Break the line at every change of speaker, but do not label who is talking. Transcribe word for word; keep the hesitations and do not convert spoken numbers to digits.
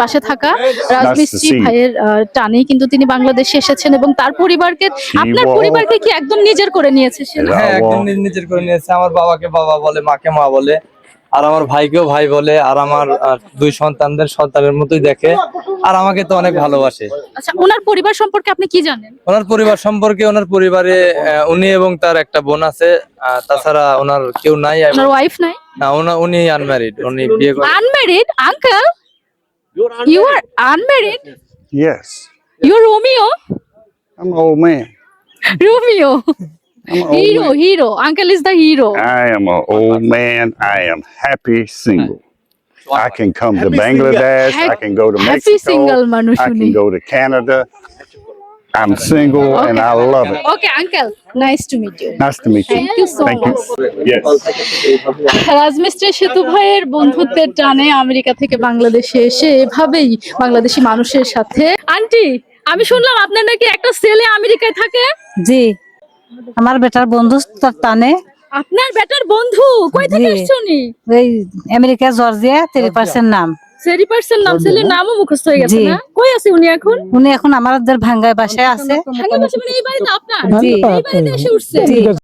পাশে থাকা। রাজমিস্ত্রি ভাইয়ের টানেই কিন্তু তিনি বাংলাদেশে এসেছেন এবং তার পরিবারকে, আপনার পরিবারকে কি একদম নিজের করে নিয়েছে সে?
হ্যাঁ, একদম নিজের করে নিয়েছে। আমার বাবাকে বাবা বলে, মাকে মা বলে, আর আমার ভাইকেও ভাই বলে, আর আমার দুই সন্তানদের সন্তানের মতোই দেখে, আর আমাকে তো অনেক ভালোবাসে।
আচ্ছা, ওনার পরিবার সম্পর্কে আপনি কি জানেন?
ওনার পরিবার সম্পর্কে, ওনার পরিবারে উনি এবং তার একটা বোন আছে, তাছাড়া ওনার কেউ নাই।
ওনার ওয়াইফ নাই?
না, উনি আনম্যারিড, উনি বিয়ে করেন।
Unmarried? Uncle, you are unmarried?
Yes.
You're Romeo?
I'm an old man.
Romeo.
I'm an old
Hero,
man.
hero. Uncle is the hero.
I am an old man. I am happy single. I can come to Bangladesh. I can go to
Happy
Mexico.
single মানুষ
I
উনি।
can go to Canada. I'm single and I love it.
Okay, uncle. Nice to meet you.
Nice to meet you.
Thank you so
Thank
much.
you. Yes.
রাজমিস্ত্রি সেতু ভাইয়ের বন্ধুত্বের টানে America থেকে বাংলাদেশে এসে এভাবেই বাংলাদেশি মানুষের সাথে। আন্টি, আমি শুনলাম আপনার নাকি একটা ছেলে আমেরিকায় থাকে?
জি, আমার বেটার বন্ধু তার টানে।
আপনার বেটার বন্ধু? কই থেকে
জি।
আসছে উনি?
এই আমেরিকা জর্জিয়া তেরি পার্সেন্ট নাম।
সেরি পার্সন নাম, ছেলের নামও মুখস্থ হয়ে গেছে
জি।
না? কই আছে উনি এখন?
উনি এখন আমাদের ভাঙ্গায় বাসায় আছে।
ভাঙা বাসা মানে এই বাড়িতে আপনার?
জি।
এই বাড়িতে এসে উঠছে?
জি।